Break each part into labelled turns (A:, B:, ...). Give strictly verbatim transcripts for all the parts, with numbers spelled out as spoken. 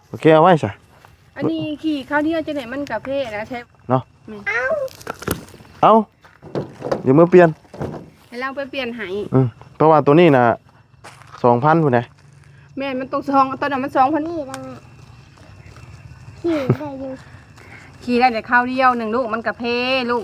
A: โอเคเอาไว้ซะ
B: อันนี้ขี่ข้าวเดียวจะไหนมันกาแฟนะใช่
A: เนาะเอาเดี๋ยวมือเปลี่ยน
B: ให้เราไปเปลี่ยนให้
A: อืมเพราะว่าตัวนี้น่ะสองพันพุ่นน่ะ
B: แม่มันต้องซองตอนนั้นมันสองพันนี่มันขี่ได้อยู่ขี่ได้แต่ข้าวเดียวหนึ่งลูกมันกาแฟลูก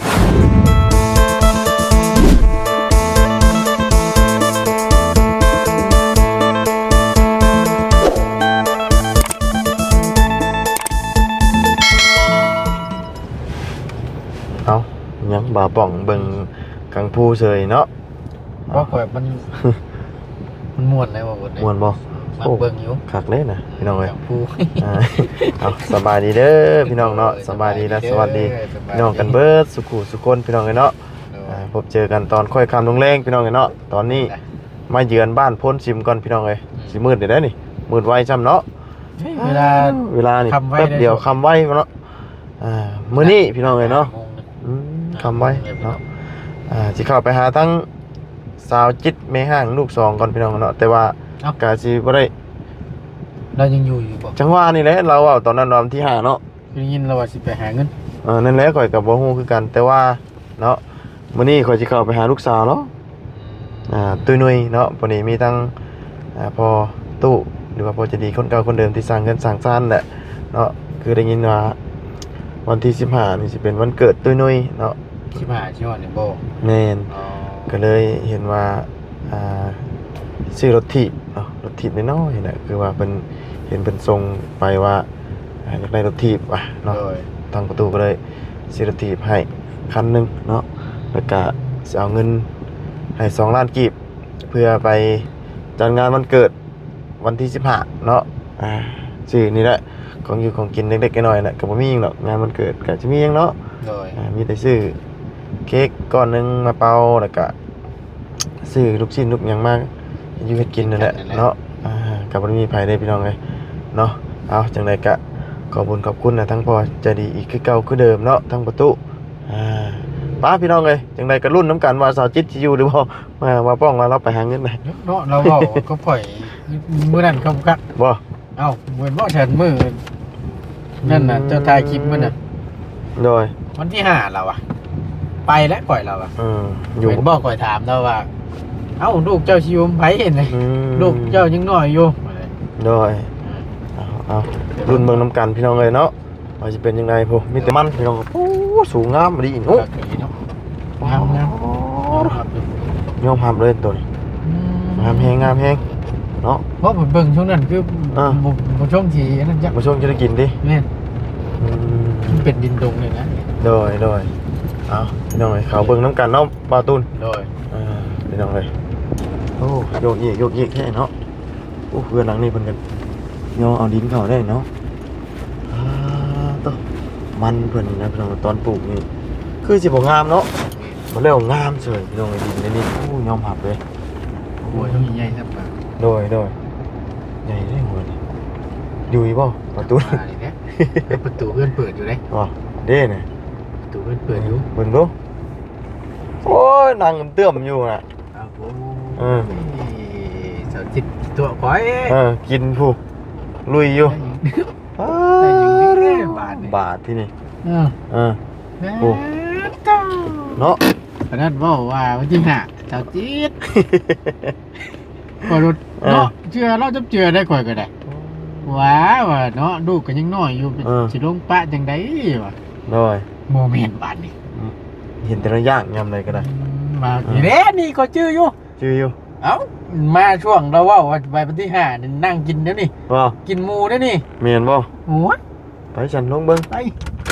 A: เอายังบ่าป่องเบิ่งกังพูเฉยเนาะ
C: เพราะแบบมันมันม่วนเลยว่าบทนี้
A: ม่วนบ่
C: มาเบิ่งอยู่
A: คักเลยนะพี่น้องเอ้ย
C: ผู้
A: เอาสบายดีเด้อพี่น้องเนาะสบายดีและสวัสดีพี่น้องกันเบิดสุขุสุคนพี่น้องเอ้ยเนาะพบเจอกันตอนค่อยค่ำลงแรงพี่น้องเอ้ยเนาะตอนนี้มาเยือนบ้านพ้นซิมก่อนพี่น้องเอ้ยสิมืดได้นี่มืดไวจ้ำเนาะ
C: เวลา
A: เวลานี่แป๊บเดียวคำไว้เนาะอ่ามื้อนี้พี่น้องเอ้ยเนาะอืมคำไว้เนาะอ่าสิเข้าไปหาทั้งสาวจิตแม่ห้างลูกสองก่อนพี่น้องเนาะแต่ว่ากะสิบ่ได้
C: เรายังอยู่อยู่บ่
A: จังหวะนี่แหละเราเอาตอนนั้นวันที่ห้าเนาะ
C: ได้ยินเราว่าสิไปหาเงิน
A: เออนั่นแหละข่อยก็บ่ฮู้คือกันแต่ว่าเนาะมื้อนี้ข่อยสิเข้าไปหาลูกสาวเนาะอ่าตุ้ยนุ้ยเนาะพอดีมีทั้งอ่าพ่อตู้หรือว่าพ่อจะดีคนเก่าคนเดิมที่สร้างเงินสร้างซ่านแหละเนาะคือได้ยินว่าวันที่สิบห้านี่สิเป็นวันเกิดตุ้ยนุ้ยเนาะ
C: สิบห้าสิฮอดนี่บ่
A: แม่นก็เลยเห็นว่าอ่าซื้อรถถีบเนาะรถถีบน้อยๆน่ะคือว่าเพิ่นเห็นเพิ่นส่งไปว่าอยากได้รถถีบว่ะเนาะทางประตูก็เลยซื้อรถถีบให้คันนึงเนาะแล้วก็สิเอาเงินให้สองล้านกีบเพื่อไปจัดงานวันเกิดวันที่สิบห้าเนาะอ่าซื้อนี่แหละของอยู่ของกินเล็กๆน้อยๆน่ะก็บ่มีหยังหรอกงานวันเกิดก็จะมีหยังเนาะอ่ามีแต่ซื้อเค้กก้อนนึงมาเป่าแล้วก็ซื้อลูกชิ้นลูกหยังมาอยู่เฮ็ดกินนั่นแหละเนาะอ่าก็บ่ได้มีไผได้พี่น้องเอ้ยเนาะเอาจังไดก็ขอบคุณขอบคุณนะทั้งพ่อใจดีอีกคือเก่าคือเดิมเนาะทั้งประตูอ่าป้าพี่น้องเอ้ยจังไดก็รุ่นน้ำกันว่าสาวจิตสิอยู่หรือบ่มาว่าป้องว่าเราไปหาเงินได้
C: เนาะเราเว้าก็ปล่อยมื้อนั้นก็กัก
A: บ่
C: เอ้าเหมือนบ่ฉันมื้อนั่นน่ะเจ้าถ่ายคลิปมื้อน่ะ
A: โดย
C: วันที่ห้าแล้วอ่ะไปแล้วปล่อยเราอ่ะ
A: อืออยู่
C: ก็บ่ก่อยถามเราว่าเอ้าลูกเจ้าสิอยู่ไผเห็นเลยลูกเจ้ายังน้อยอยู่
A: โดยเอาเอารุ่นเมืองน้ำกันพี่น้องเอ้ยเนาะว่าสิเป็นจังไดพุมีแต่มันพี่น้องโอ้สูงงามดีโอ้
C: งามงาม
A: ยอมรับเลยตัวนี้งามแฮงงามแฮงเนาะ
C: เพราะผมเบิ่งช่วงนั้นคือบ่ช่วงที่นั่นจัก
A: บ่ช่วงจะได้กินดิ
C: แม่นอืมมันเป็นดินดงเลยนะ
A: โดยโดยเอาพี่น้องเอ้ยเขาเบิ่งน้ำกันเนาะบาตูน
C: โดย
A: อ่าพี่น้องเอ้ยโอ้โยกอีกโยกอีกแค่เนาะโอ้เพื่อนหลังนี้เพิ่นกันย่อเอาดินเข้าได้เนาะอ่าต่อมันเพิ่นนะพี่น้องตอนปลูกนี่คือสิบ่งามเนาะบ่แล้วงามเฉยพี่น้องไอ้ดินในนี้โอ้ยอมรับเลย
C: โอ้ยต้องใหญ่ซับป่ะ
A: โดยโดยใหญ่ได้หัวนี่อยู่อีบ่ประตู
C: นี่แหละประตูเพิ่นเปิดอยู่เด้
A: บ่เด้น่ะ
C: ประตูเพิ่นเปิดอยู่
A: เบิ่งดูโอ้ยนั่งเตื้อมอยู่น่ะ
C: ครับโอ้เออสาวจิตตัวก้อย
A: เออกินผู้ลุยอยู่
C: ได้อยู่นี่บาท
A: บาทที่นี่
C: เออ
A: เออโอ้เนาะ
C: เพราะนั้นบอกว่าวันที่ห้าสาวจิตก่อนเนาะเชื่อเราจะเชื่อได้ก่อยก็ได้ว้าวเนาะลูกก็ยังน้อยอยู่สิลงปะจังได๋วะ
A: น้อย
C: โมเมนต์บาดนี้
A: เห็นแต่ละอย่างยำเลยก็ได้
C: มาอีเด้นี่ก็ชื่ออยู่
A: ชื่ออยู่
C: เอ้ามาช่วงเราว่าวันที่ห้านั่งกินเดี๋ยวนี้
A: บ่
C: กินหมูเดี๋ยวนี้
A: เมียนบ่
C: โอ้ย
A: ไปฉันลงเบิ่ง
C: ไป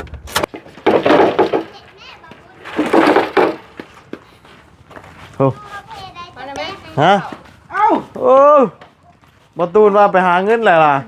A: โอ้ฮะเอ้าโอ้บ่ตูนว่าไปหาเงินแหละล่ะ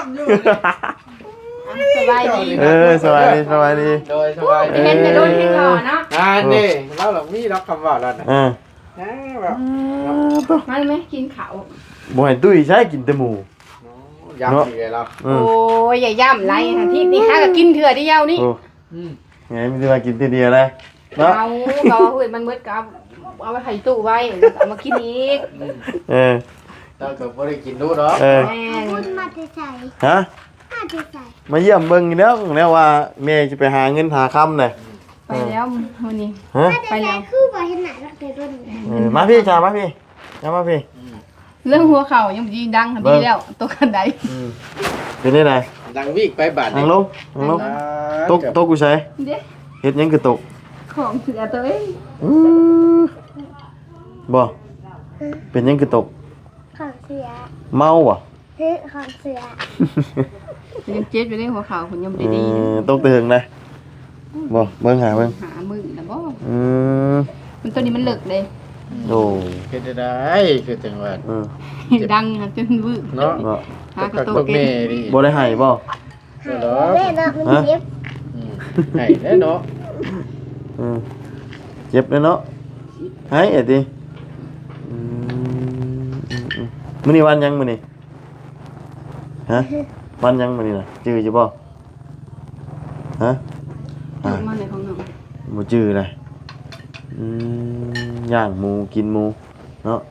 B: สบายดี
A: เออสบายดีสบายดี
C: โดยสบายดี
B: เห็นแต่โดนที่ก่อนเนาะ
C: อ่านี่เราหลังมีรับคำว่าแล้วนะ
A: เออ
C: แบบ
B: มาไหมกินข้าว
A: บ่ให้ตุ้ยใช้กินแต่หมู
C: ย่ำอีกแล้ว
B: โอ้ยอย่าย่ำไรทันทีนี่ฮะก็กินเถื่อเดียวนี่
A: ไงไม่ได้มากินทีเดียวเลย
B: เนาะเอาเราเฮ้ยมันมืดกับเอาไปไข่ตู้ไว้เอามากินอีก
A: เออ
C: เราเกิดไม่ได้กินดูเนาะ
A: เออฮะมาเยี่ยมเบิ่งอีแล้วแล้วว่าแม่จะไปหาเงินหาคำเลย
B: ไปแล้ววันนี้
A: ฮะ
B: ไปแล้ว
D: คือบ่เห็นหน้ารักเด้อรุ่น
A: เออมาพี่ชามาพี่ชามาพี่
B: เรื่องหัวเข่ายังยิงดังค่ะ
A: เบิ่
B: ดี
A: ง
B: แล้วตัวกันใด
A: อืมเป็นได้ไง
C: ดังวิกไปบาท
A: นั่งลงนั่งลง
C: อ่า
A: ตกตกกูใช้
B: เด้
A: เฮ็ดหยังคือตก
B: ของเสือตัวเอง
A: อือบ่เป็นหยังคือตก
D: ของเสือ
A: เมาบ่
D: เฮ้ยของเสือ
B: ยังเจ็บอยู่ในหัวเข่าคุณยัง
A: เอ
B: ดี
A: อตกเตืองนะบ่เบิ่งหาเบิ่ง
B: หามือนะบ่
A: อืม
B: มันตัวนี้มันเลิกเลย
A: โอ้
C: เฮ็ดได้คือจังหวัด
A: เออ
B: ดังค่ะจนวืบ
C: เนาะ
A: บ่
B: หากระ
C: กับ
B: ตุ
C: พว
B: ก
C: ก
B: เก่
C: แม่
B: ง
C: ดิ
A: บ่ได้ให้บ่
D: หายแม่เนาะมันเจ็บ
C: อืมให้แล้วเนาะ
A: อืมเจ็บเลยเนาะให้เอ็ดดิอืมอืมอืมมื้อนี้วันหยังมื้อนี้ฮะวันหยังมื้อนี้น่ะจื้ออยู่บ่ฮะ
B: ตุ
A: อ่า
B: กมาในของเรา
A: บ่จื้อเลยอืมย่างหมูกินหมูเนาะ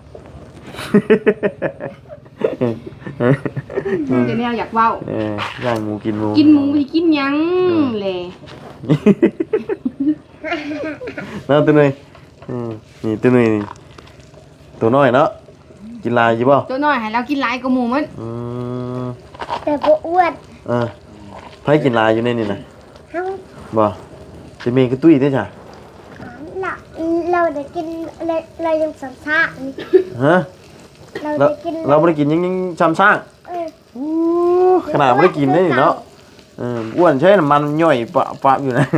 B: จะแนวอยากเว้า
A: เออย่างหมูกินหมู
B: กินหมูไปกินหยังแหละ
A: เนาะตัวนึงอืมนี่ตัวนึงนี่ตัวน้อยเนาะกินลายอยู่บ่
B: ตัวน้อยให้เรากินหลายกว่าหมูมัน
A: อืม
D: แต่บ่อ้วน
A: เออไผกินลายอยู่ในนี่น่ะ
D: เฮา
A: บ่จะมีกระตุ้ยเด้อจ้ะ
D: เราเราได้กินเราเรายังสัมภาษณ์นี่
A: ฮะ
D: เรา
A: เรา
D: ได้กิน
A: เราบ่ได้กินยังยังช้ำช้าง
D: เออ
A: ขนาดบ่ได้กินได้นี่เนาะเอออ้วนใช่น้ำมันย่อยปะปะอยู่นะ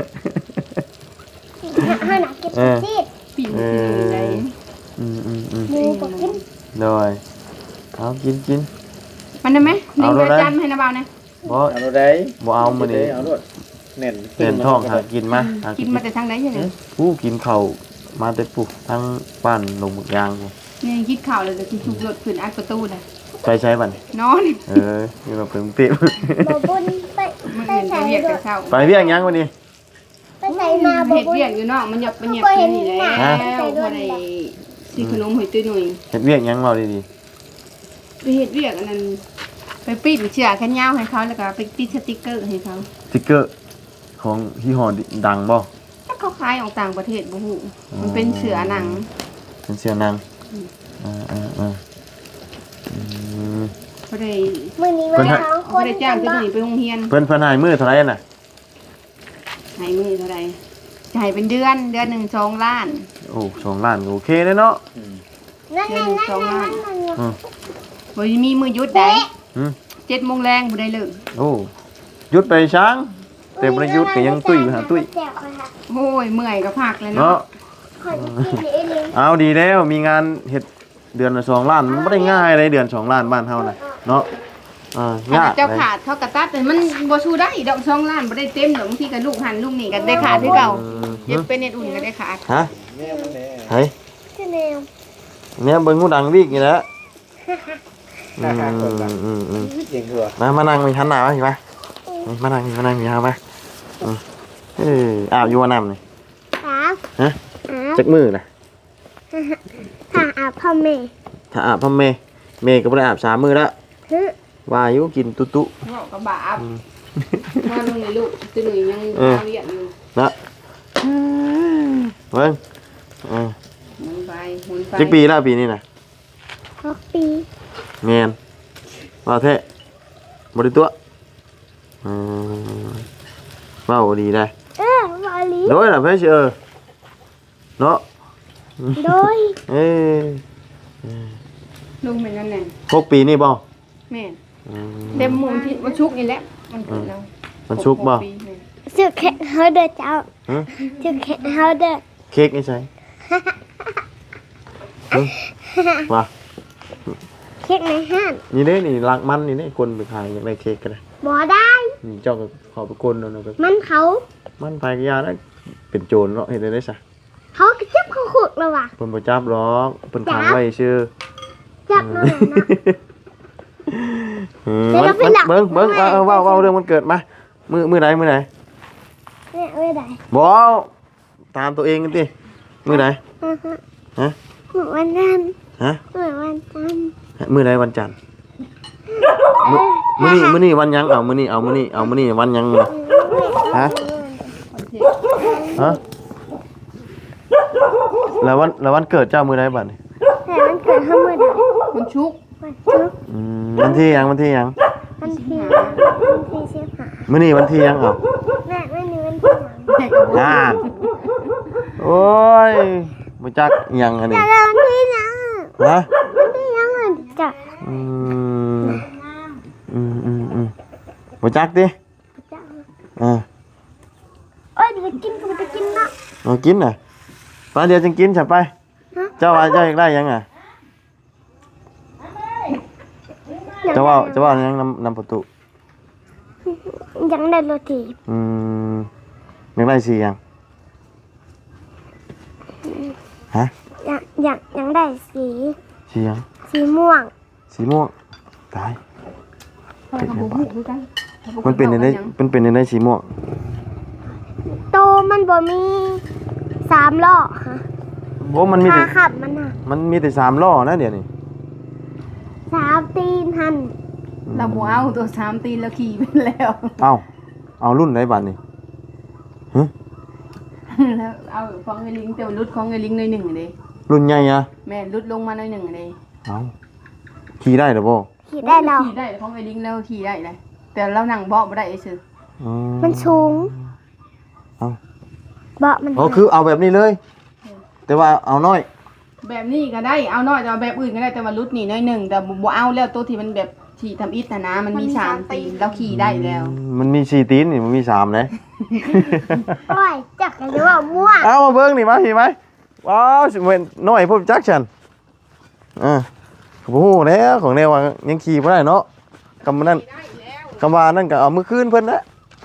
D: ห้าหนักกินซีด
B: ปีนขึ้นเลย
A: อืมอืมอืม
D: หมูก็กิน
A: โดยเอากินกิน
B: มันได้ไหมหนึ่
A: เอา
B: ง
A: ด้วย
B: เดือน
A: นะ
B: จันทร์ให้นะเบานะ
A: บ่
C: เอาโน่นได้
A: บ่เอามื้อนี้
C: เอาโน่นแน่น
A: เปลี่ยนท้องหากินมาหา
B: กินมาแต่ทางไหนยังไง
A: ผู้กินข้าวมาแต่ปุ๊บทั้งบ้านลงหมึกยางพุ่น
B: นี่คิดข่าวเลยจะคิดทุกรถขึ้นอัดประตูนะ
A: ไปใช้บัดนี้
B: นอน
A: เออนี่เราเพิ่งติด
D: บ่บุญไป
B: มัน
D: ไป
B: เห็น
D: ใส่
B: จะเรียก
D: ร
B: แต่
D: ถ
B: เช้า
A: ไปเรียกหยังวันนี้
D: ไปใส่มาบ่
B: เห็ด
D: บุญ
B: เรียกอยู่นอกมันหยับมันหยับกินนี่แล้วพอได้ซื้อขนมหอยตุ้ยหน่อย
A: เฮ็ดเรียกหยังเราดี
B: ไปเห็ดเรียกอันนั้นไปปิดเชือกแขนยาวให้เขาแล้วก็ไปติดสติ๊กเกอร์ให้เขา
A: ๆสติ๊กเกอร์ของยี่ห้อดังบ่
B: ถ้าเขาขายออกต่างประเทศบ่ฮู้มันเป็นเสือหนัง
A: เป็นเสื้อนางอ่าอ่าอ่าอืม
B: บ่ได้
D: มื้อนี้
A: เพิ่
D: มาน
A: ให้
D: ทั้งค
B: บ่
D: น
B: ได้จ้างตุ้ยหน่อยไปโรงเรียน
A: เพิ่นเพิ่นให้มื้อเท่าไหร่น่ะ
B: ให้มือเท่าใดจ่ายเป็นเดือนเดือนหนึ่งสองล้าน
A: โอ้สองล้านก็โอเคเลยเนาะ
C: อืม
D: นั่นนั่นนั่นนั่นนั่น
A: อืม
B: บ่มีมือหยุดได้
A: อืม
B: เจ็ดโมงแรงบ่ได้เลิก
A: โอ้หยุดไปช้าง แต่บ่ได้หยุดก็ยังตุ้ยไปหาตุ้ย
D: แจกค่ะ
B: โอ้ยเมื่อยก็พักเลย
A: เนาะ
B: เนาะ
D: ขอกินเองเลย
A: เอาดีแล้วมีงานเฮ็ดเดือนละสองล้านมันบ่ได้ง่ายเลยเดือนสองล้านบ้านเฮาน่ะเนาะอ่ายาก
B: เจ้า
A: เลย
B: ขาดเขากระตัดแต่มันบ่สู้ได้ดอกสองล้านบ่ได้เต็มดอกบางทีก็ลูกหันลูกนี่ก็ได้ขาดคือเก่า
A: อืม
B: เย็บเป็นเน็ตอุ่นก็ได้ขาด
A: ฮะ
C: แม่มันแน่
A: เฮ้ย
D: ที่แนว
A: เนี่ยเบิ่งหูดังวิกนี่แหละอื
C: หน้าคคนละ
A: มอืมอืม
C: เก่งหัว
A: มามานั่งมีหันหน้ามาสิมามานั่งมานั่งมีหามาอืมเอออาบอยู่ว่าน้ำนี่
D: ครับ
A: ฮะ
D: ครับ
A: จักมือน่ะ
D: ถ้าอาบพ่อแม่
A: ถ้าอาบพ่อแม่แม่ก็บ่ได้อาบสามมื้อแล้ว
D: ฮึ
A: ว่าอยู่กินตุ๊ตุ
B: เว้าก็บาปว่าลุงนี่ลูกตัวหนุ่ยยัง
A: เออ
B: เรียนอยู่
A: นะเบิ่งเออ
B: หมุนไปหมุนไป
A: จักปีแล้วปีนี้น่ะ
D: หกปี
A: แม่นว่าแท้บ่ได้ตัวเออเว้าดีได้
D: เออวาลี
A: โดยล่ะเพิ่นสิเออเนาะ
D: โดย
A: เอ้ย
B: ลุงเป็นนั่นแหละ
A: หกปีนี่บ่
B: แม่น
A: อืม
B: เต็มหมูลที่วันชุกร์นี่แหละมันเกิดแล้ว
A: มันชุกบ่
B: หปีแม่น
D: สึกแค่เฮาเด้อเจ้า
A: ฮะ
D: สึกแค่เฮาเด้อ
A: เค้กนี่ใช่ฮะว่า
D: เค้กในห้าง
A: นี่เด้นี่รักมันนี่เด้คนไปขายอยากได้เค้กก็ได้
D: บ่ได้
A: นี่เจ้าก็ขอไปกลเอาเนาะก็
D: มันเขา
A: มันไปก็ยาได้เป็นโจรเนาะเฮ็ดได้ได้ซะ
D: เขาก็จับเขาขุดแล้วว่ะ
A: เพิ่นบ่จับหรอกเพิ่นขังไว้ชื่อ
D: จับแล้วนะ
A: อืม
D: เดี๋ยวเราไป
A: มัน
D: หลับ
A: เบิ่งเบิ่ง
D: ไม่
A: เออเว้าเว้าเรื่องมันเกิดมามื้อมื้อใดมื้อใด
D: เนี่ยไม่ได้
A: บ่ตามตัวเองกันติมื้อใด ฮะ
D: เหมือนวันจันทร์
A: ฮะ
D: เหมือนวันจันทร์
A: มื้อใดวันจันทร์
D: ฮ
A: มื้อนี้มื้อนี้วันหยังเอามื้อนี้เอามื้อนี้เอามื้อนี้วันหยังฮะฮะแล้ววันแล้ววันเกิดเจ้ามื้อใดบัดนี้
D: แต่มันเกิดขึ้นเมื่อใด
B: มันชุก
D: วันชุก
A: อืมวันที่หยังวันที่หยัง
D: วันที่วันที่สิบห้า
A: มื้อนี้วันที่หยังเอา
D: แม่ไม่มีวันที่หลัง
B: แม่ก็บ่
A: งานโอ้ยบ่จักอิหยังอันนี้
D: แต่ละวันที่ยัง
A: ฮะ
D: วันที่ยังอ่ะจ้ะ
A: อืมอืมอืมอืมบ่จักติ
D: จ้ะ
A: อ่า
D: โอ้ยเดี๋ยวกินก็จะกินนะ
A: เอากินน่ะไปเดี๋ยวจึงกินฉันไป เจ้าว่าเจ้าอยากได้หยังอ่ะเจ้าว่าเจ้าว่าหยังนำนำประตู
D: ยังได้โรตี
A: อืมอยากได้สีหยังฮะ
D: ยังยังยังได้สี
A: สีหยัง
D: สีม่วง
A: สีม่วงตาย
B: พ่อก็บ่ฮู้คือกัน
A: มันเป็นในได้เป็นเป็นในได้สีม่วง
D: โตมันบ่มีสามล้อฮะ
A: โอ้มันมี
D: ขา
A: แต่
D: ขับมันอ่ะ
A: มันมีแต่สามล้อนะเดี๋ยวนี้
D: สามตีนหัน
B: เราบ่เอาตัวสามตีนแล้วขี่ไปแล้ว
A: เอ้าเอารุ่นไหนบัดนี่ฮะ
B: แล้วเอาของไอ้ลิงแต่ว่ารุดของไอ้ลิงหน่อยหนึ่งเด้
A: รุ่นใหญ่อะ
B: แม่รุดลงมาหน่อยหนึ่งเด้
A: เอ้าขี่ได้หรือบ่
D: ขี่ได้แล้ว
B: ขี่ได้ของไอ้ลิงแล้วขี่ได้เลยแต่เรานั่งเบาะบ่ได้ซื่อ
A: อื
D: มันสูง
A: เอ้า
D: เบาะมัน
A: อ๋อคือเอาแบบนี้เลย แต่ว่าเอาน้อย
B: แบบนี้ก็ได้เอาน้อยแต่ว่าแบบอื่นก็ได้แต่ว่ารุดนี่หน่อยหนึ่งแต่บ่เอาแล้วตัวที่มันแบบที่ทำอิฐนะนะมันมีสามตีนแล้วขี่ได้แล้ว
A: มันมีสี่ตีนนี่มันมีสามเลย
D: โอ้ยจักหรือว่าม่วง
A: เอามาเบิ้งนี่มาพี่ไหมว้าวสิเป็นน้อยพวกจักฉันอ่าโอ้โหแล้วของแนวว่ายังขี่ไม่ได้เนาะกำนั่นกำวานั่นก็เอามือคืนเพิ่นนะ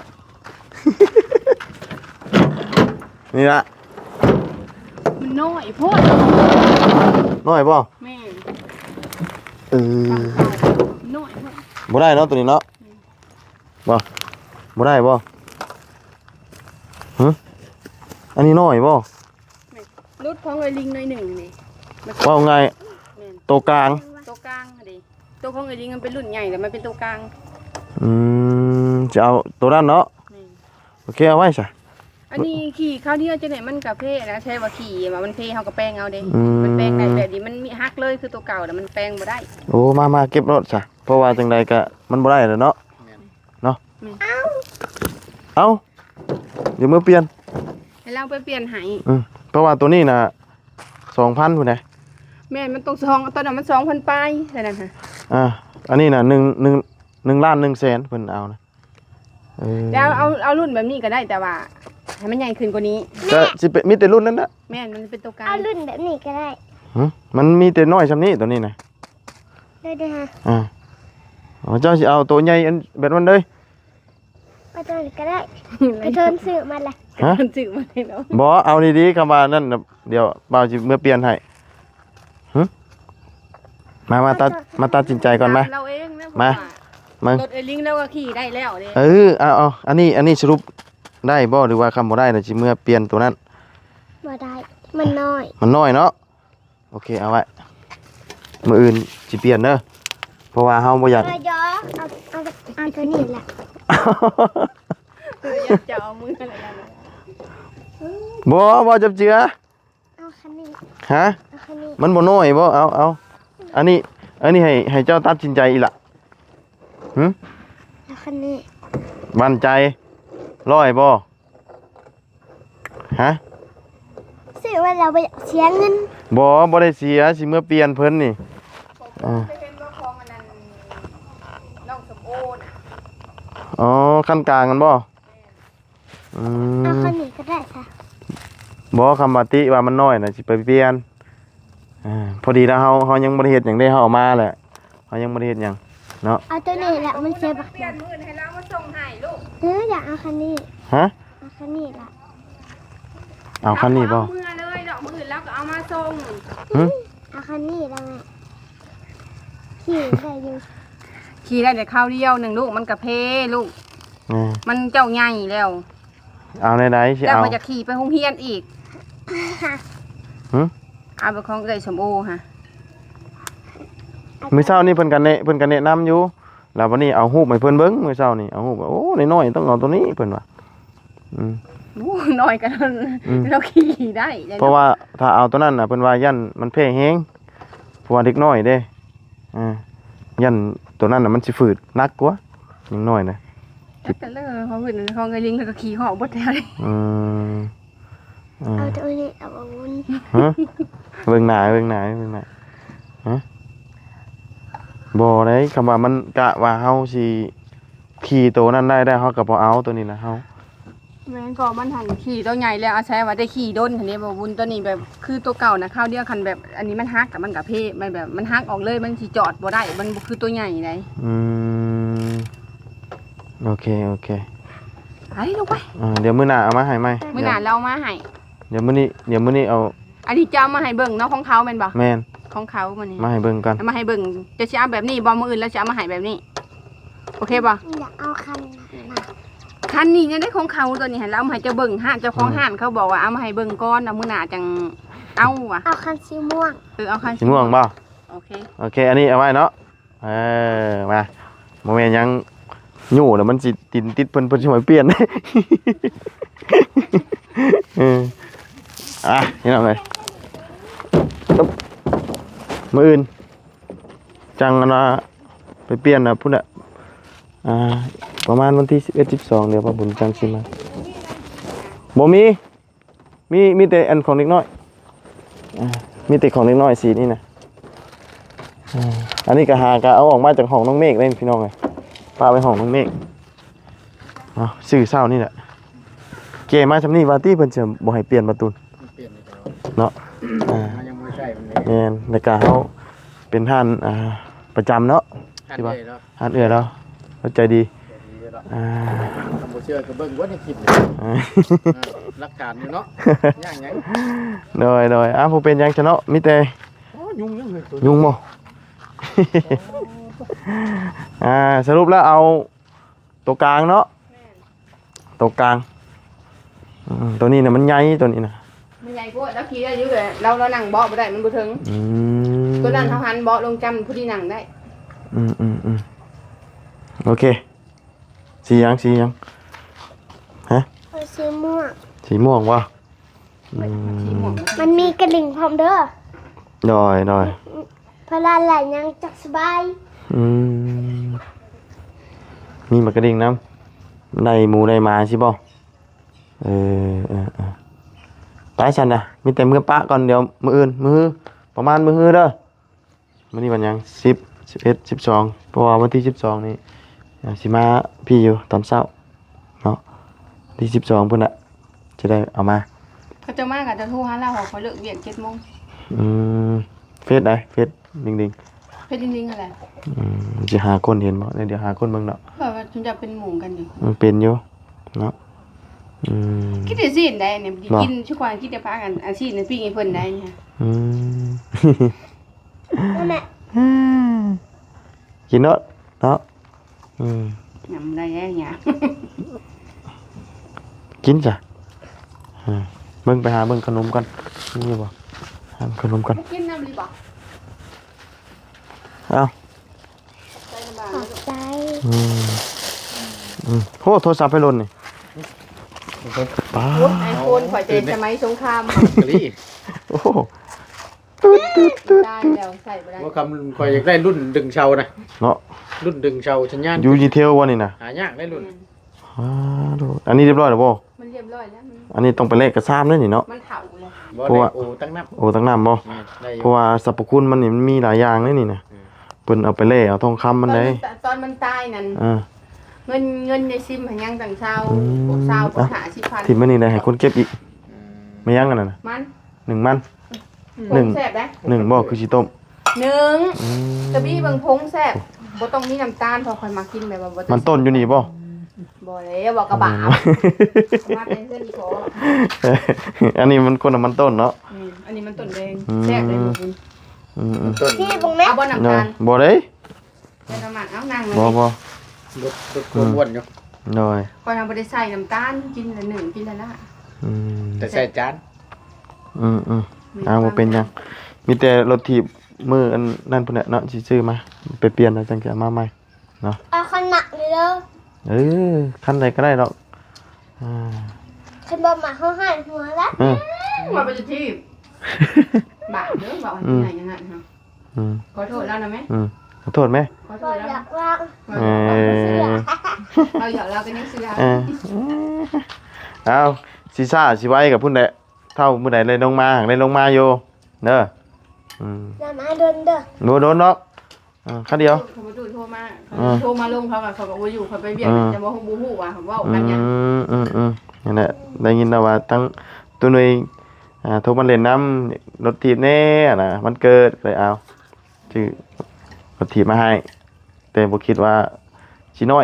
A: นี่ละ
B: มันน้อยโพด
A: น้อยป่ะ
B: แม่
A: เออ
B: น้อยโพด
A: บ่ได้เนาะตัวนี้เนาะบ่บ่ได้บ่ฮะอันนี้น้อยบ่
B: รุดของไอ้ลิงหน่อยหนึ่งนี่
A: ว่าไง
B: แม่น
A: ตัวกลาง
B: ตัวกลางอะดิตัวของไอ้ลิงมันเป็นรุ่นใหญ่แต่มันเป็นตัวกลาง
A: อืมจะเอาตัวนั้นเนาะ
B: แม่น
A: โอเคเอาไว้ซะ
B: อันนี้ขี่ข้าวเดียวจะไหนมันกับเพนะใช่ว่าขี่มามันเพเฮากับแป้งเอาเด้
A: อืม
B: มันแป้งได้แบบนี้มันมีฮักเลยคือตัวเก่าแต่มันแป้งบ่ได้
A: โอ้มามาเก็บรถซะเพราะว่าจังใดก็มันบ่ได้แล้วเนาะเนาะเอาเดี๋ยวมือเปลี่ยน
B: ให้เราไปเปลี่ยนให้
A: อืมเพราะว่าตัวนี้น่ะสองพันพุ่นน่ะ
B: แม่นมันต้องซองตอนนั้นมันสองพันปลายแค่นั้นฮะ
A: อ่าอันนี้น่ะหนึ่งหนึ่งหนึ่งล้านหนึ่งแสนเพิ่นเอานะเออ
B: แล้วเอาเอารุ่นแบบนี้ก็ได้แต่ว่าให้มันใหญ่ขึ้นกว่านี้
A: ก็สิเป็นมีแต่รุ่นนั้นน่ะ
B: แม่นมันเป็นตัวกลาง
D: เอารุ่นแบบนี้ก็ได้
A: หึมันมีแต่น้อยซำนี้ตัวนี้น่ะ
D: ได้ด้วยฮะ
A: อ่าอ๋อเจ้าสิเอาตัวใหญ่อันแบบนั้นเลย
D: ไปตัวนี้ก็ได้ไปเทินซื้อมาเลย
A: ฮะ
B: มันจืดมาเลยเนาะ
A: บ่เอาดีๆคำว่านั่นน่ะเดี๋ยวบ่าวสิเมื่อเปลี่ยนให้หึมามาตัดมาตัดสินใจก่อนมา
B: เราเองนะ
A: มา มา
B: รถไอ้ลิงแล้วก็ขี่ได้แล้วเด้
A: เออเอาเอาอันนี้อันนี้สรุปได้บ่หรือว่าคำบ่ได้น่ะสิเมื่อเปลี่ยนตัวนั้น
D: มาได้ มันน้อย
A: มันน้อยเนาะโอเคเอาไว้มื้ออื่นสิเปลี่ยนเด้อเพราะว่าเฮาบ่อยาก
D: เอายอเอาเอาเอาตัวนี้แหละ
B: คืออยากจะเอามืออะไรกันนะ
A: บ่บ่จับเจือ
D: เอาคันนี้
A: ฮะ
D: เอาคันนี้
A: มันบ่น้อยบ่เอาเอาอันนี้อันนี้ให้ให้เจ้าตัดสินใจอีหละหึ
D: เอาคันนี้
A: มั่นใจร้อยบ่ฮะ
D: ซื้อว่าเราไปเสียเงิน
A: บ่บ่ได้เสียสิเมื่อเปลี่ยนเพิ่นนี่อ่า
B: ไปเป็นรถของอันนั้นน้องสมโอน่ะ
A: อ๋อขั้นกลางกันบ่อื
D: เอา
A: ม
D: คันนี้ก็ได้ค่ะ
A: บ่คำว่าติว่ามันน้อยน่ะสิไปเปลี่ยนอ่าพอดีแล้วเฮาเฮายังบ่ได้เฮ็ดหยังได้เฮาเอามาแหละเฮายังบ่ได้เฮ็ดหยังเนาะ
D: เอาตัวนี้แหละมันเสียบัก
B: เปลี่ยนมือให้เรามาส่งให้ลูก
D: เอออยากเอาคันนี้
A: ฮะ
D: เอาคันนี้ละ
A: เอาคันนี้บ่
B: เอามือเลยดอกมือแล้วก็เอามาส่ง
A: หึ
D: เอาคันนี้ละแม่ขี่ได้อยู่
B: ขี่ได้แต่ข้าวเดียวหนึ่งลูกมันกระเพลูก
A: อ่า
B: มันเจ้าใหญ่แล้ว
A: เอาไหนๆสิ
B: แล้ว
A: เอา
B: มันจะขี่ไปโรงเรียนอีก
A: หึ
B: เอาไปของเอ้ยสมโอฮะ
D: อ
A: มื้อเช้านี่เพิ่นก็แนะเพิ่นก็แนะนำอยู่แล้ววันนี้เอารูปให้เพิ่นเบิ่งมื้อเช้านี่เอารูปว่าโอ้น้อยๆต้องเอาตัวนี้เพิ่นว่าอืม
B: โอ้น้อยกัน
A: อืม
B: เราขี่ได้ลยน
A: เพราะว่าถ้าเอาตัวนั้นน่ะเพิ่นว่ายันมันแพ้แฮงเพราะว่าเด็กน้อยเด้อ่ายันตัวนั้นน่ะมันสิฝืดหนักกว่ายังน้อยนะ
B: จักแต่เลยเขาเห็นเขาไงลิงแล้วก็ขี่หอกบดแถวเลย
A: อืมอ่า
D: เอาตัวนี้เอาอาวุธ
A: ฮะเบิ่งหน้าเบิ่งหน้าเบิ่งหน้าฮะบ่ได้คำว่ามันกะว่าเฮาสิขี่ตัวนั้นได้ได้เฮาก็บ่เอาตัวนี้นะเฮา
B: แม่งก็มันหันขี่ตัวใหญ่แล้วอาศัยว่าได้ขี่ด้นคันนี้บ่บุญตัวนี้แบบคือตัวเก่านะข้าวเดียวคันแบบ อันนี้มันฮักกับมันกับเพมันแบบมันฮักออกเลยมันสิจอดบ่ได้มันบ่คือตัวใหญ่ได
A: อืมโอเคโอเค
B: ไปลงไป
A: อ่าเดี๋ยวมื้อหน้าเอามาให้ใหม่
B: มื้อหน้าเรามาให้
A: เดี๋ยวมื้อนี้เดี๋ยวมื้อนี้เอา
B: อันนี้จะเอามาให้เบิ่งเนาะของเขาแม่นบ่
A: แม่น
B: ของเขามันนี่
A: มาให้เบิ่งกัน
B: เอามาให้เบิ่งจะสิเอาแบบนี้บ่มื้ออื่นแล้วจะเอามาให้แบบนี้ โอเคบ่
D: อยากเอาคันมา
B: คันนี้ยังได้ของเขาตัวนี้ให้เราเอามาให้เจ้าเบิ่งห้านเจ้าของห้านเขาบอกว่าเอามาให้เบิ่งก่อนเอามื้อหน้าจังเอาว่ะ
D: เอาคันสีม่วง
B: เออเอาคัน
A: สิม่วงบ่
B: โอเค
A: โอเค อันนี้เอาไว้เนาะเออมาบ่แม่นหยังอยู่แล้วมันสิติดติดเพิ่นเพิ่นสิมาเปลี่ยน เอออ่ะนี่เอาเลยปึ๊บมื้ออื่นจังอันว่าไปเปลี่ยนน่ะพุ่นน่ะอ่าประมาณวันที่สิบเอ็ด สิบสองเดี๋ยวพ่อบุญจังสิมาบ่มีมีมีแต่อันของเล็กน้อยอ่ามีแต่ของเล็กน้อยสีนี่นะ อ่าอันนี้ก็หากะเอาออกมาจากห้องน้องเมฆเลยพี่น้องเลยปาไปห้องน้องเมฆเอาซื้อเศร้านี่แหละเกมาชำนี่วาตี้เพิ่นจะบ่ให้เปลี่ยนประตู
C: เปลี่ยนเลย
A: เนาะอ่า
C: มันยังไม่ใช่มันเลย
A: แม่นแล้วก็เฮาเป็นท่านอ่าประจำเนาะ
C: หันเลยแล้ว
A: ท่านเอื้อแล้วเข้าใจดี
C: ดีแล้ว
A: อ่า
C: คำบ่เชื่อก็เบิ่งว่าในคลิปเลย
A: อ่า
C: หลักฐานอยู่เนาะย่างไง
A: โดยโดยอ้าวบ่เป็นหยังซะเนาะมีแต่
C: โอ้ยุ่งยังเลยตัว
A: ยุงบ่ อ่าสรุปแล้วเอาตัวกลางเนาะตัวกลางอืมตัวนี้น่ะมันใหญ่ตัวนี้น่ะ
B: มันใหญ่โพดแล้วขี่ได้อยู่เลยเราเรานั่งเบาะบ่ได้มันบ่ถึง
A: อืม
B: ตัวนั้นเขาหันเบาะลงจำผู้ที่นั่งได้
A: อืมอืมอืมโอเคสีหยังสีหยังฮะ
D: เอาสีม่วง
A: สีม่วงวะอื
B: สีม่ว
A: ม
B: ง
D: มันมีกระดิ่งพร้อมเด้อ
A: ดอยดอย
D: เพราะลาแหล่ยังจักสบาย
A: อืมมีหมากกระดิ่งน้ำในหมูในหมาใช่ป่ะเออเออเออไปฉันนะมีแต่มือปะก่อนเดี๋ยวมืออื่นมือประมาณมือเด้อวันนี้วันหยังสิบสิบเอ็ดสิบสองเพราะว่าวันที่สิบสองนี่อ่าสิมาพี่อยู่ตอนเช้าเนาะที่สิบสองพุ่นอะจะได้เอามา
B: เขาจะมากกับจะโทรหาเราเขาเขาเลิกเวียนเจ็ดโมง
A: อืมเฟซได้เฟซดิงดิง
B: เพชรจริงๆอะไร
A: อืมจะหาคนเห็นบ่เดี๋ยวหาคนเบิ่งเนาะ
B: เพราะว่าฉันจะเป็นหมู่กันอยู่
A: มันเป็นอยู่เนาะอืม
B: คิดได้สิได้เนี่ย
A: หรอ
B: กินชุกวันคิดได้พากันอาชีพนั้นพี่ไอ้เพิ่นได้เนี่ย
A: อืม
D: นั่นแหละ
A: กินเนาะเนาะอืม
B: ยำได้แย่เนี่ย
A: กินจ้ะอ่าเบิ่งไปหาเบิ่งขนมกันนี่บ่หาขนมกัน
B: กินน้ำรีบอก
A: เอ้า
B: ใส่น้ำบา
D: ขอบใจ
A: อืมอืมโหโทรศัพท์ไปหล่นนี่ป้า
B: ไอโฟนข่อยเจนสมัยสงคราม
C: กะลี่
A: โอ้โหตึ๊ดตึ๊ดตึ๊ด
B: ได้แล้วใส่ไปได้
C: ว่าคำคอยอยากได้รุ่นดึงเชานะ
A: เนาะ
C: รุ่นดึงเชาชัญญาณ
A: อยู่ดีเทลวะนี่น่ะ
C: หายากได้รุ่น
A: อ่าดูอันนี้เรียบร้อยแล้วบ่
B: มันเรียบร้อยแล้วมัน
A: อันนี้ต้องไปเลขกระซ้ำด้วยนี่เนาะ
B: มันเถาเลย
C: บ่
A: เพราะ
C: ได้
A: ว่า
C: โอ้ตั้งนับ
A: โอ้ตั้งน้ำบ่
C: แม่นได้อ
A: เพ
C: ยู่
A: ราะว่าสรรพคุณมันนี่มันมีหลายอย่างเลยนี่นะ
C: อืม
A: เพิ่นเอาไปเล่เอาทองคำมันได้
B: ตอนมันตายนั่น
A: อ่า
B: เงินเงินในซิมหันยังต่างเช้า
A: อืม
B: พวกเช้าพวกหาสิพัน
A: ที่มันนี่ได้ให้คนเก็บอีก
C: อืม
A: ไม่ยั้งกันน่ะนะ
B: มัน
A: หนึ่งมัน ห
B: ห
A: นึ่
B: นึ่
A: ง
B: งแซ่บได้
A: หนึ่งบ่คือสิต้ม
B: หนึ่ง
A: อืม
B: กระบี่เบิ่งพงแซ่บบ่ต้องมีน้ำตาลพอค่อยมากินแบบว่าบ่ต้อง
A: มันต้นอยู่นี่บ่
B: บ่เลยบอกกระบะมาเป็นเส้นขอ
A: อันนี้มันคนน่ะมันต้นเนาะ
B: อืมอันนี้มันต้นแดง
A: อืม
B: แซ่บเลยหมูกิน
A: อืมอืม
C: ต้น
D: พี่บุงแม่
B: เอาบ่น้ำ
A: เนาะ
B: ตาล
A: บ่ได้
B: ใส่น้ำมันเอานั่งเลย
A: บ่บ่
C: รถรถความอ้วนอยู่
A: หน่อย
B: ก่อนทำบ่ได้ใส่น้ำตาลกินละหนึ่งกินละละ
A: อืม
C: แต่ใส่จาน
A: อืมอืมอ้าวบ่เป็นหยังมีแต่รถถีบมืออันนั่นพุ่นน่ะเนาะสิซื้อมาไปเปลี่ยนแล้วจังจะเอามาใหม่เนาะ
D: เอาขนาดเลยเด้อ
A: เออคันใดก็ได้ดอกอ่า
D: คันบ่มาเขาหันหัวแล้ว
A: เออ
B: มาเป็นที่บาปเด้อบอกให้ไหนยังไงฮะ
A: อืม
B: ขอโทษแล้วนะแม่
A: อืมขอโทษไหม
B: ขอโท
D: บ่
B: ษแล้ว
D: อยากว่าง
A: เออ
B: เราอยากเราเป็นนักเสือ
A: เออเอาซีซ่าสิไว้กับพุ่นแหละเท่ามื้อใดเลยลงมาเลยลงมาอยู่เด้ออืม
D: อย่ามาเดินเด้อ
A: โดนโดนเนาะอ่าคันเดียว
B: เขามาดูโทรมาโทรมาลงเขากับเขาบอกว่าอยู่เขาไปเบียดจะมาฮู้บูฮู้ว่าเขาว่า
A: อื
B: กันยัง
A: มอืมอืมนั่นแหละได้ยินแล้วว่าทั้งตัวหน่วยอ่าโทรมาเล่นน้ำรถถีบแน่นะมันเกิดเลยเอาชื่อรถถีบมาให้แต่บ่คิดว่าสิน้อย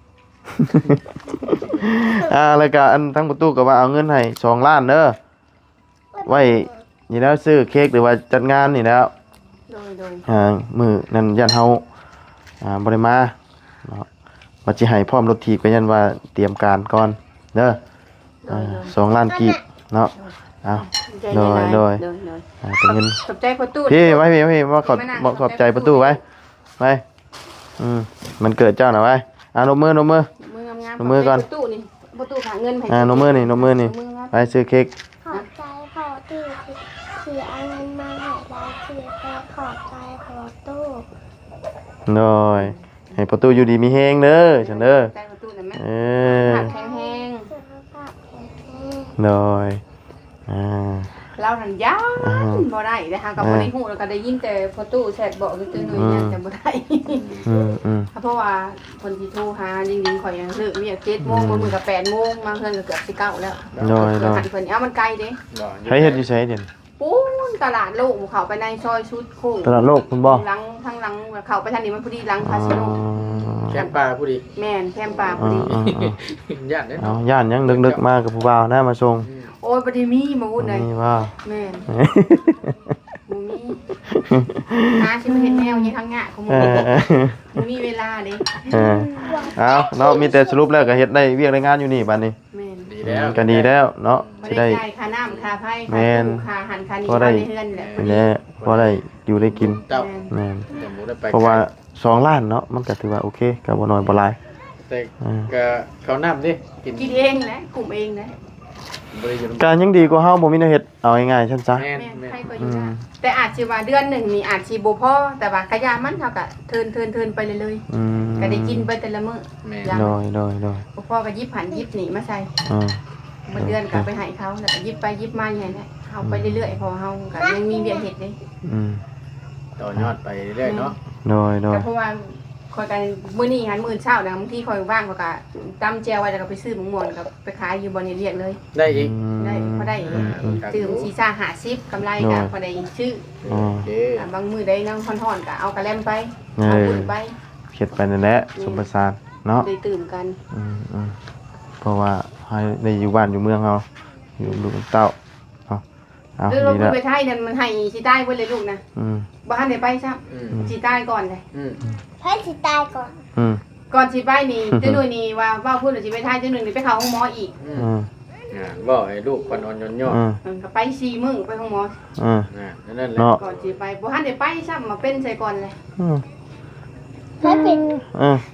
A: อ่าแล้วก็อันทั้งประตูก็ว่าเอาเงินให้สองล้านเด้อไว้นี่แล้วซื้อเค้กหรือว่าจัดงานนี่แล้ว
B: โดยโดย
A: อ่ามื้อนั้นยันเฮาอ่าบ่ได้มาเนาะว่าสิให้พร้อมรถถีบก็ยันว่าเตรียมการก่อนเด้อ
B: โด
A: อ่าย
B: โดย
A: สองล้านกีบเนาะเอา โดยโดย
B: โดยโดย
A: อ่าเป็นเงิน
B: ขอบใจประตู
A: พี่ไว้พี่ไว้พี่ว่าขอบบอกขอบใจประตูไว้ไว้อืมมันเกิดเจ้าหน่อยไว้อ่านมมือนมมือ
B: มืองาม
A: เอามือก่อน
B: ประตูนี่ประตูหาเงินให้
A: อ่านมมือนี่นมมือนี่ไปซื้อเค้ก
D: ขอบใจขอตู้ที่เอาเงินมาให้เราคือแค่ขอบใจขอตู้
A: หน่อยให้ประตูอยู่ดีมีแฮงเด้อฉันเด้อ
B: ใจประตูนะแม่
A: เออ
B: ผักแห้ง
D: สุขภาพแข็งแรง
A: หน่อยอ่า
B: ๆเราหันยานบ่ได้นะคะกับบ่ได้ฮู้แล้วก็ได้ยินแต่ประตูแชทบอกคือๆหน่อยยันจะบ่ได้
A: อืมอืม
B: เพราะว่าคนที่โทรหาจริงๆข่อยยังเลิกเรียกเจ็ดโมงบางมื้อก็แปดโมงบางเทื่อก็เกือบสิเก้าแล้ว
A: หน่อยหน่อย
B: หันเพิ่นเอามันไกลเด้
A: ให้เฮ็ดอยู่ไสเด่น
B: ปูนตลาดโลกเข้าไปในซอยชุดโค้ง
A: ตลาดโลกคุณบ่
B: หลังทางหลังเข้าไปทางนี้มันพอดีหลัง
A: อ๋อ
B: คาสิโน
C: แคมปลาผู้ดี
B: แม่นแคมป่าพ
A: อ๋
B: อ
A: อ
B: ดี
A: อ๋ออ๋อ
C: ญาติเด้
A: เอา
C: เนาะ
A: ย่านยังดึกๆมากับผู้บ่าวนะมาส่ง
B: โอ้ยบ่ได้มีมาวุ่นเลย
A: นี่ว่า
B: แม่นบ่มีหาสิมาเฮ็ดแนวนี้ทางงะของห
A: เอ
B: มู่
A: อเออ
B: บ่มีเวลาเด้
A: เออเอาเนาะมีแต่สรุปแล้วก็เฮ็ดได้เวียกได้งานอยู่นี่บัดนี้
B: แม่น
C: ดีแล้ว
A: ก็ดีแล้วเนาะ
B: บ่
A: สิ
B: ได้
A: ได้
B: จ่ายค่าน้ำค่าไฟ
A: แม่
B: ค่าน ตู้ค่าอาหันค่านี้
A: พอได้
B: ค่าในเฮือนแหละพอดี
A: แหละพอได้อยู่ได้กิน
C: เจ้า
B: แม่น
A: แม่น
C: แต่หมูได้ไป
A: เพราะว่าสองล้านเนาะมันก็ถือว่าโอเคก็บ่น้อยบ่หลาย
C: แต่ก็เขาน้ำดิกิน
B: กินเองนะกลุ่มเองนะ
C: บริจาค
A: ก็ยังดีกว่าเฮาบ่มีแนวเฮ็ดเอาง่ายๆซั่นซะ
C: แม่น
B: แม่น
C: แม่น
B: ใครก็อยู่ได้แต่อาจสิว่าเดือนหนึ่งนี่อาจสิบ่พอแต่ว่ากะยามันเท่ากับเทินเทินเทินไปเลยเลย
A: อืม
B: ๆก็ได้กินไปแต่ละมื้อ
C: แม่น
B: ยาม
A: โดยโดยโดย
B: บ่พอก็ยิบหันยิบหนีมาใส่
A: อืม
B: มื้อเดือนก็ไปให้เขาแล้วก็ยิบไปยิบมาอย่างนี้แหละเฮาไปเรื่อยๆเพอเฮาก็ยังมีเวียกเฮ็ดเด้
A: อืม
C: ต่อยอดไปเรื่อยๆเนาะ
A: โดยโดย
B: ก็เพราะว่าคอยกันมื้อนี้หันมื้อเช้านะบางทีคอยว่างก็ก็ตำแจวไว้แล้วก็ไปซื้อหมูม่วนก็ไปขายอยู่บ่นี่เรียกเลย
C: ได้อีก
B: ได้พอได้
C: อ่า
B: ตื่มซีซ่าห้าสิบกำไรก็พอได้ซื้อ
A: อ๋อ
C: โอเค
B: อ่าบางมื้อได้นั่งค่อนๆก็เอากระแลมไป
A: เอ
B: เอา
A: อ
B: บุญไป
A: เฮ็ดไปนั่นแหละสมประสานเนาะ
B: ได้ตื่มกัน
A: อืมอืมเพราะว่าให้ได้อยู่บ้านอยู่เมืองเฮาอยู่ลูกเต้าเอาเอา
B: เรื่องรถ
A: ดีแล้ว
B: ไปไทยนั่นมันให้สิใต้เพิ่นเลยลูกนะ
A: อืม
B: บ่ทันได้ไปซ้
C: อืม
B: ำสิใต้ก่อนเลย
C: อืม
D: ให้สิตายก่อน
A: อืม
B: ก่อนสิไปนี่ เจ้าหนุ่ยนี่ว่าว่าพูดว่าสิไปไทยเจ้าหนุ่ยนี่ไปเข้าห้องหมออีก
C: อื
A: อื
C: ม
A: ม
C: อ่าบอกให้ลูกคนอ่อนโยนย่อ
A: อืม
B: เออก็ไปสี่มื้อไปห้องหมอ
A: อืม
C: อ่านั่นแหละ
A: เนาะ
B: ก่อนสิไปบ่ทันได้ไปซ้ำมาเป็นใส่ก่อนเลย
A: อืม
D: ให้เป็น
A: อืม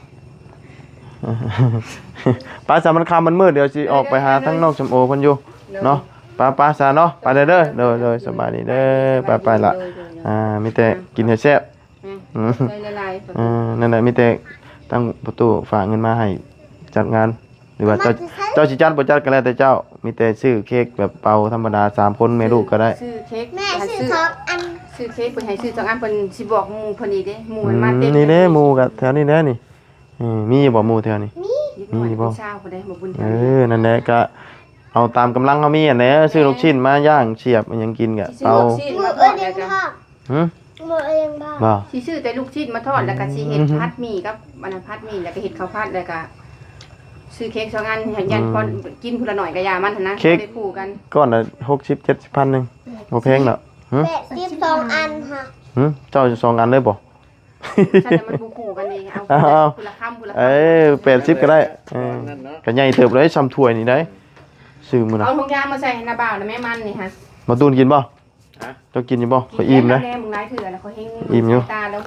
A: ป้าสามันคำมันมืดเดี๋ยวสิออกไปหาทั้งนอกชมโอเพิ่นอยู่เนาะป้าป้าซาเนาะไปเด้อเด้อเด้อเด้อสบายดีเด้อไปไปละอ่ามีแต่กินให้แซ่บ อืม
B: ใจละลาย
A: อ่านั่นแหละมีแต่ตั้งประตูฝากเงินมาให้จัดงาน หรือว่าเจ้าเจ้าสิจัดบ่จัดก็แล้วแต่เจ้า มีแต่ซื้อเค้กแบบเป่าธรรมดาสามคนแม่ลูกก็ได้
B: ซื้อเค้ก
D: แม่
B: ให้
D: ซื้อทองอัน
B: ซื้อเค้กเพิ่นให้ซื้อสองอันเพิ่นสิบอกหมู่เพิ่นอีกเด้หมู่
A: อื
B: มัน
A: ม
B: มาเต็ม
A: นี่เด้หมู่กับแถวนี้แน่นี่อืมมีบ่หมู่แถวนี้
B: มี
A: มีบ่
B: บ่เช้าเพิ่นได้บ่บุญ
A: เออนั่นแหละก็เอาตามกำลังเฮามีอันแหละซื้อลูกชิ้นมาย่างเฉียบอิหยังกินก็
B: ซื้อ
A: เอา
B: ลูกชิ้น
D: มื
B: มา
D: อ
B: ท
D: เอ้
B: อย ด
D: เลี้
B: แล้
D: ยว ง
B: ก็
D: พ่อ
A: หึ
D: มือเอ้ยเลี้ยงพ่อ
A: บ่
B: สิซื้อแต่ลูกชิ้นมาทอดแล้วก็สิเฮ็ด
A: อืม
B: ผัดหมี่กับอันนั้นผัดหมี่แล้วก็เฮ็ดข้าวผัดแล้วก็ซื้อเค้กสองอันให้ยันก่อนกินพุ่นละหน่อยก็ยามันหั่นนะบ่ได้คู่กัน
A: ก้อนละหกสิบ เจ็ดสิบพันหนึงบ่แพงดอกหึ
D: แปดสิบสองอันค่ะ
A: หึเจ้าจะสองอันเลยบ่
B: ใช่แต่มันบ่คู่กันเองเอา
A: เอาเอา
B: พุ่นละคำพุ่นละคำ
A: เอ้ยแปดสิบก็ได้เออ
C: นั่นเนาะ
A: ก็ใหญ่เติบเลยซ้ำถ้วยนี่ได้ซื้อมื้อน่ะ
B: เอาถุงยางมาใส่ให้หน้าบ่าวนะแม่มันนี่ฮะ
A: มาตูนกินบ่
C: ฮะ
A: เจ้ากินอยู่บ่ขอยอิ่มนะ
B: แน่มึงหลายเถื่อนะเขาเฮง
A: อิ่มอยู่
B: ตาแล้วหู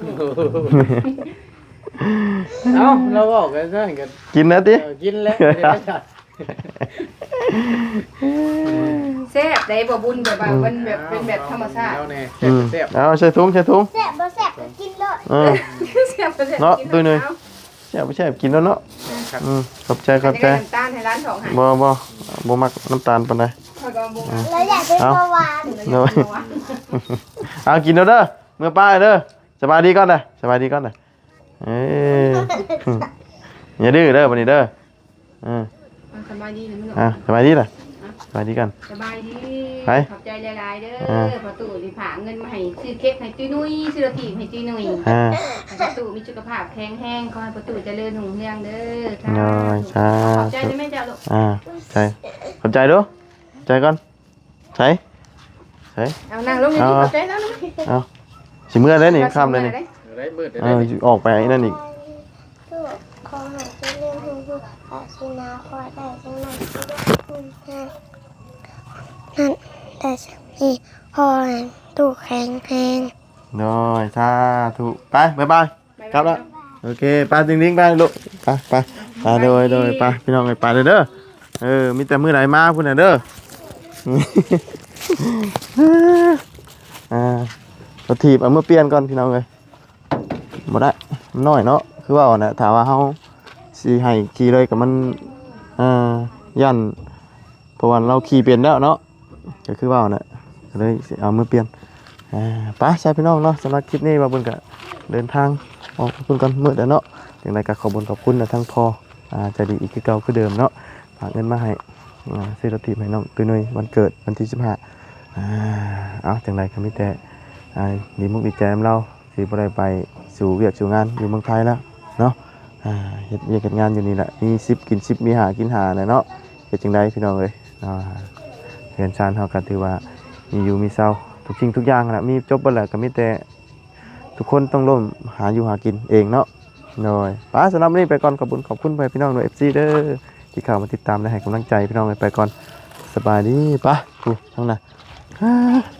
C: เอ้าเราบอกกันซะกัน
A: กินนะติ
C: เออกินแล้วไม่ได้จัด
B: แซ่บได้บ่บุญแบบว่ามันแบบเป็นแบบธรรมชาติ
C: แล้วแน่
A: อืม
C: แซ่บ
A: เอาใส่ถุงใส่ถุง
D: แซ่บบ่แซ่บก็กินเลย
A: เออ
B: แซ่บบ่แซ่บ
A: เนาะ
B: กิ
A: ตุ้ยหนุ่ย
B: เอา
A: แซ่บบ่แซ่บกินแล้วเนาะ
C: ๆครับ
A: อืมขอบใจขอบใจ
B: น้ำตาลให้ร้านสองให้
A: บ่บ่บ่มักน้ำตาลปานใด
B: ข้อยก็บ่เอา
D: แล้วอยากเป็นเบาหวาน
A: เนาะเอากินแล้วเด้อเมื่อป้าเด้อสบายดีก่อนเด้อสบายดีก่อนเด้อเอ้ยอย่าดื้อเด้อบัดนี้เด้อเออ
B: สบายดีนะมึง
A: อ่ะสบายดีล่ะสบายดีกัน
B: สบายดี
A: ไป
B: ขอบใจหลายๆเด้
A: อ่า
B: อพอตู่สิผาเงินมาให้ซื้อเค้กให้ตุ้ยนุ้ยซื้อโรตีให้ตุ้ยนุ้ย
A: อ่า
B: พอตู่มีสุขภาพแข็งแรงขอให้พอตู่เจริญรุ่งเรืองเด้อ
A: น้อยสา
B: ขอบใจ
A: ธุ
B: ได้ไหมจ๊ะลูก
A: อ่าใจขอบใจดูใจก่อนใส่ใส่
B: เอานั่งลงนี่
A: เอา
B: ขอบใจแล้วลูก
A: เอาสิเมื่อได้นี่ข้ามเลยนี่
C: ได้มืดได้
A: เออออกไปไอ้นั่นอีก
D: ลูกขอให้เจริญรุ่งเรืองอาชีนาขอได้จังนั้นคุณแม่นั่นแต่สักทีพอให้ตู้แข็งแรง
A: น้อยสาธุไปบ๊ายบายกลับแล้วโอเคไปจริงๆไปลูกไปไปไปโดยโดยไปพี่น้องไปเลยเด้อเออมีแต่มือไหนมาพุ่นน่ะเด้อ อ่ารถถีบเอามือเปลี่ยนก่อนพี่น้องเลยบ่ได้มันน้อยเนาะคือว่าน่ะถามว่าเฮาสิให้ขี่เลยกับมันอ่าย่านเพราะว่าเราขี่เป็นแล้วเนาะก็คือว่าน่ะก็เลยสิเอามือเปลี่ยนอ่าไปใช่พี่น้องเนาะสำหรับคลิปนี้ว่าเพิ่นก็เดินทางออกเพิ่นก่อนมื้อแล้วเนาะจังไดก็ขอบคุณขอบคุณนะทั้งพ่ออ่าใจดีอีกคือเก่าคือเดิมเนาะฝากเงินมาให้อ่าซื้อรถถีบให้น้องตุ้ยนุ้ยวันเกิดวันที่สิบห้าอ่าเอาจังไดก็มีแต่อ่าดีมุกดีใจนำเราสิบ่ได้ไปสู่เวียกสู่งานอยู่เมืองไทยแล้วเนาะอ่าเฮ็ดเวียกเฮ็ดงานอยู่นี่แหละมีสิบกินสิบมีหากินหาน่ะเนาะเฮ็ดจังไดพี่น้องเอ้ยอ่าเรียนชานเฮาก็ถือว่ามีอยู่มีเศร้าทุกสิ่งทุกอย่างแหละมีจบเบิดแหละก็มีแต่ทุกคนต้องร่วมหาอยู่หากินเองเนาะหน่อยป้าสำหรับวันนี้ไปก่อนขอบคุณขอบคุณไปพี่น้องหน่วย เอฟ ซี เด้อที่เข้ามาติดตามและให้กำลังใจพี่น้องไปก่อนสบายดีป้าดูทั้งนั้น